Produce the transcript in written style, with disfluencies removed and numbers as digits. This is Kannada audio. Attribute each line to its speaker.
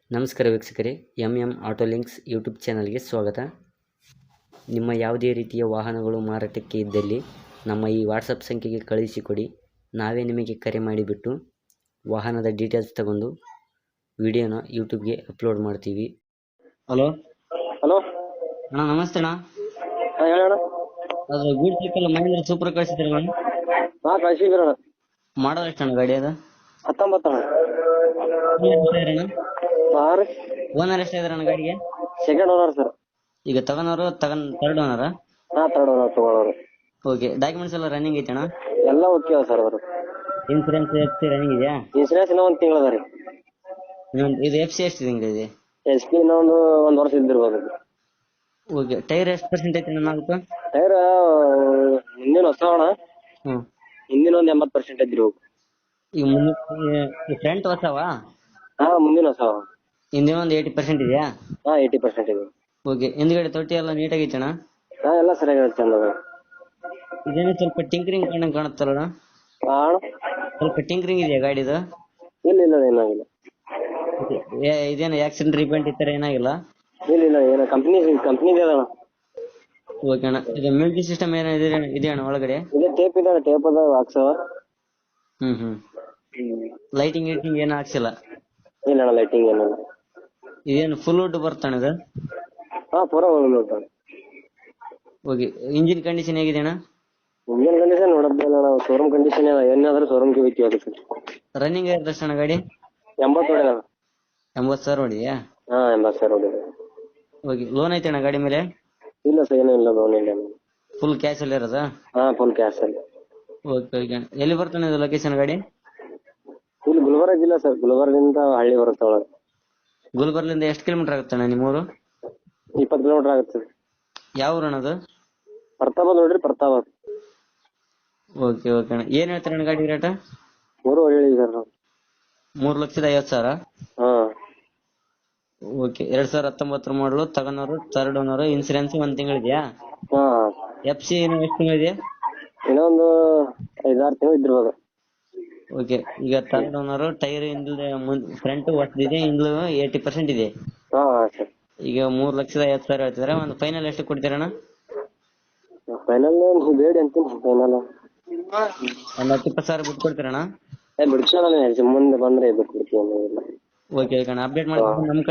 Speaker 1: ನಮಸ್ಕಾರ ವೀಕ್ಷಕರೇ, ಎಂ ಆಟೋ ಲಿಂಕ್ಸ್ ಯೂಟ್ಯೂಬ್ ಚಾನಲ್ಗೆ ಸ್ವಾಗತ. ನಿಮ್ಮ ಯಾವುದೇ ರೀತಿಯ ವಾಹನಗಳು ಮಾರಾಟಕ್ಕೆ ಇದ್ದಲ್ಲಿ ನಮ್ಮ ಈ ವಾಟ್ಸಪ್ ಸಂಖ್ಯೆಗೆ ಕಳುಹಿಸಿಕೊಡಿ. ನಾವೇ ನಿಮಗೆ ಕರೆ ಮಾಡಿಬಿಟ್ಟು ವಾಹನದ ಡೀಟೇಲ್ಸ್ ತಗೊಂಡು ವಿಡಿಯೋನ ಯೂಟ್ಯೂಬ್ಗೆ ಅಪ್ಲೋಡ್ ಮಾಡ್ತೀವಿ. ಹಲೋ
Speaker 2: ಹಲೋ
Speaker 1: ಅಣ್ಣ, ನಮಸ್ತೆ ಅಣ್ಣ.
Speaker 2: ಹೇಳೋಣ.
Speaker 1: ಅದು ಗೂಡ್ ಸೈಕಲ್ ಮಹೇಂದ್ರ ಸೂಪರ್ ಕಳಿಸಿದ್ರಲ್ಲ ಅಣ್ಣ,
Speaker 2: ಹಾಂ ಕಳಿಸಿದ್ರಣ.
Speaker 1: ಮಾಡೋದು ಎಷ್ಟಣ್ಣ ಗಾಡಿ ಅದು?
Speaker 2: 19 ಅಣ್ಣ. ಹಾಂ ರೀ,
Speaker 1: ಓನರ್ ಎಷ್ಟಾದ್ರಣ್ಣ ಗಾಡಿಗೆ?
Speaker 2: Second owner sir.
Speaker 1: ಈಗ ತರ್ಡ್ ಓನರಾ?
Speaker 2: ಹಾಂ ಥರ್ಡ್ ಓನರ್ ತಗೊಳ್ಳೋರು.
Speaker 1: ಓಕೆ, ಡಾಕ್ಯುಮೆಂಟ್ಸ್ ಎಲ್ಲ ರನ್ನಿಂಗ್ ಐತಣ್ಣ?
Speaker 2: ಎಲ್ಲ ಓಕೆ ಅವ ಸರ್ ಅವರು.
Speaker 1: ಇನ್ಸೂರೆನ್ಸ್ ಎಫ್ ರನ್ನಿಂಗ್ ಇದೆಯಾ?
Speaker 2: ಇನ್ಸೂರೆನ್ಸ್ ಇನ್ನೂ 1 ತಿಂಗಳು ಅದ ರೀ.
Speaker 1: ಇದು ಎಫ್ ಸಿ ಎಷ್ಟು ತಿಂಗಳಿದೆ?
Speaker 2: ಎಸ್ ಪಿ ಇನ್ನೂ ಒಂದು ವರ್ಷ ಇದ್ದಿರ್ಬೋದು.
Speaker 1: ಓಕೆ, ಟೈರ್ ಎಷ್ಟು ಪರ್ಸೆಂಟ್ ಐತೆ ನಾಲ್ಕು?
Speaker 2: ಟೈರ್ ಹಿಂದಿನ ಹೊಸ ಅಣ್ಣ,
Speaker 1: ಹ್ಞೂ.
Speaker 2: ಹಿಂದಿನ ಒಂದು 80% ಇದ್ರಿ ಹೋಗು.
Speaker 1: ಈಗ ಮುಂದೆ ಫ್ರಂಟ್ ಹೊಸವಾ?
Speaker 2: ಹಾಂ ಮುಂದಿನ ಹೊಸ.
Speaker 1: ಹಿಂದಿನ ಒಂದು 80% ಇದೆಯಾ?
Speaker 2: ಹಾಂ 80% ಇದೆ.
Speaker 1: ಓಕೆ, ಹಿಂದ್ಗಡೆ ತೊಟ್ಟಿ ಎಲ್ಲ ನೀಟಾಗೈತಣ್ಣ?
Speaker 2: ಹಾಂ ಎಲ್ಲ ಸರಿಯಾಗಿ ಚಂದ ಅದ.
Speaker 1: ಇದೇನು ಸ್ವಲ್ಪ ಟಿಂಕರಿಂಗ್ ಕಂಡಂಗೆ ಕಾಣುತ್ತಲ್ಲ?
Speaker 2: ಹಾಂ ಅಣ್ಣ,
Speaker 1: ಸ್ವಲ್ಪ ಟಿಂಕರಿಂಗ್ ಇದೆಯಾ ಗಾಡಿದು?
Speaker 2: ಇಲ್ಲ ಏನಾಗಿಲ್ಲ.
Speaker 1: ಇದೇನು ಆಕ್ಸಿಡೆಂಟ್ ರಿಪೇಂಟ್ ಈ ಥರ ಏನಾಗಿಲ್ಲ?
Speaker 2: ಇಲ್ಲ ಏನೋ ಕಂಪ್ನಿದೆ ಅಣ್ಣ.
Speaker 1: ಓಕೆ ಅಣ್ಣ, ಇದು ಮ್ಯೂಸಿಕ್ ಸಿಸ್ಟಮ್ ಏನೋ ಇದೆಯಣ್ಣ ಒಳಗಡೆ?
Speaker 2: ಇದೆ ಟೇಪ್ ಇದೆ ಅಣ್ಣ, ಟೇಪ್ ಅದ ಹಾಕ್ಸವ.
Speaker 1: ಹ್ಞೂ. ಲೈಟಿಂಗ್ ಏನು ಹಾಕ್ಸಿಲ್ಲ?
Speaker 2: ಇಲ್ಲ ಅಣ್ಣ, ಲೈಟಿಂಗ್ ಏನಿಲ್ಲ.
Speaker 1: ಇದೇನು ಫುಲ್ ವುಡ್ ಬರ್ತಣ್ಣ ಇದು?
Speaker 2: ಹಾಂ ಪೂರ ನೋಡ್ತಾನೆ.
Speaker 1: ಓಕೆ, ಇಂಜಿನ್ ಕಂಡೀಷನ್ ಹೇಗಿದೆ ಅಣ್ಣ?
Speaker 2: ಇಂಜಿನ್ ಕಂಡೀಷನ್ ನೋಡೋದಿಲ್ಲ ನಾವು, ಶೋರೂಮ್ ಕಂಡೀಷನ್ ಏನಾದ್ರೂ ಶೋರೂಮ್ಗೆ ಹೋಗ್ತೀವಿ ಅದಕ್ಕೆ.
Speaker 1: ರನ್ನಿಂಗ್ ಆಗಿರೋದು ಅಣ್ಣ ಗಾಡಿ?
Speaker 2: 80 ಹೊಡೆದ.
Speaker 1: 80,000 ಹೊಡಿದೆಯಾ?
Speaker 2: ಹಾಂ 80,000 ಹೊಡೆದ.
Speaker 1: ಓಕೆ, ಲೋನ್ ಐತೆ ಅಣ್ಣ ಗಾಡಿ ಮೇಲೆ?
Speaker 2: ಇಲ್ಲ ಸರ್, ಏನೂ ಇಲ್ಲ, ಲೋನ್ ಇಲ್ಲ.
Speaker 1: ಫುಲ್ ಕ್ಯಾಶ್ ಅಲ್ಲಿ ಇರೋದಾ?
Speaker 2: ಹಾಂ ಫುಲ್ ಕ್ಯಾಶ್ ಅಲ್ಲಿ.
Speaker 1: ಓಕೆ ಅಣ್ಣ, ಎಲ್ಲಿ ಬರ್ತಾನೆ ಇದು ಲೊಕೇಶನ್ ಗಾಡಿ?
Speaker 2: ಇಲ್ಲಿ ಗುಲ್ಬರ್ಗ ಜಿಲ್ಲಾ ಸರ್, ಗುಲ್ಬರ್ಗದಿಂದ ಹಳ್ಳಿ ಬರುತ್ತೆ ಒಳಗೆ.
Speaker 1: ಗುಲ್ಬರ್ಲಿಂದ ಎಷ್ಟು ಕಿಲೋಮೀಟರ್ ಆಗುತ್ತೆ ಅಣ್ಣ ನಿಮ್ಮೂರು?
Speaker 2: 20 ಕಿಲೋಮೀಟರ್ ಆಗುತ್ತೆ.
Speaker 1: ಯಾವ ಊರು ಅಣ್ಣ ಅದು?
Speaker 2: ಪ್ರತಾಪ ನೋಡ್ರಿ, ಪ್ರತಾಪ.
Speaker 1: ಓಕೆ ಅಣ್ಣ, ಏನು ಹೇಳ್ತಾರೆ ಅಣ್ಣ ಗಾಡಿ ರೇಟ?
Speaker 2: 3 ಹೇಳಿ ಸರ್ ನಾವು.
Speaker 1: 3,50,000?
Speaker 2: ಹಾಂ.
Speaker 1: ಓಕೆ, 2019 ಮಾಡಲು, ತಗೊಂಡವರು ಥರ್ಡ್ ಓನರು, ಇನ್ಸೂರೆನ್ಸ್ 1 ತಿಂಗಳಿದೆಯಾ?
Speaker 2: ಹಾಂ.
Speaker 1: ಎಫ್ ಸಿ ಎಷ್ಟು ತಿಂಗಳಿದೆ?
Speaker 2: ಇನ್ನೊಂದು 5-6 ತಿಂಗಳು ಇದ್ದಿರ್ಬೋದು.
Speaker 1: ಓಕೆ, ಈಗ ಥರ್ಡ್ ಓನರು, ಟೈರ್ ಹಿಂದೆ ಫ್ರಂಟ್ ಹೊಸದಿದೆ, ಹಿಂದ್ಲು 80% ಇದೆ.
Speaker 2: ಹಾಂ ಸರ್.
Speaker 1: ಈಗ 3,50,000 ಹೇಳ್ತಿದ್ದಾರೆ. ಒಂದು ಫೈನಲ್ ಎಷ್ಟು ಕೊಡ್ತೀರಣ್ಣ?
Speaker 2: ಫೈನಲ್ ಬೇಡಿ ಅಂತೀನಿ, ಫೈನಲ್
Speaker 1: ಒಂದು 10-20,000 ಬಿಟ್ಟು ಕೊಡ್ತೀರಣ್ಣ?
Speaker 2: ಬಿಡ್ಸೋಣ, ಮುಂದೆ ಬಂದರೆ ಬಿಟ್ಬಿಡ್ತೀವಿ.
Speaker 1: ಓಕೆ ಅಣ್ಣ, ಅಪ್ಡೇಟ್ ಮಾಡಿ ನಮ್ಮ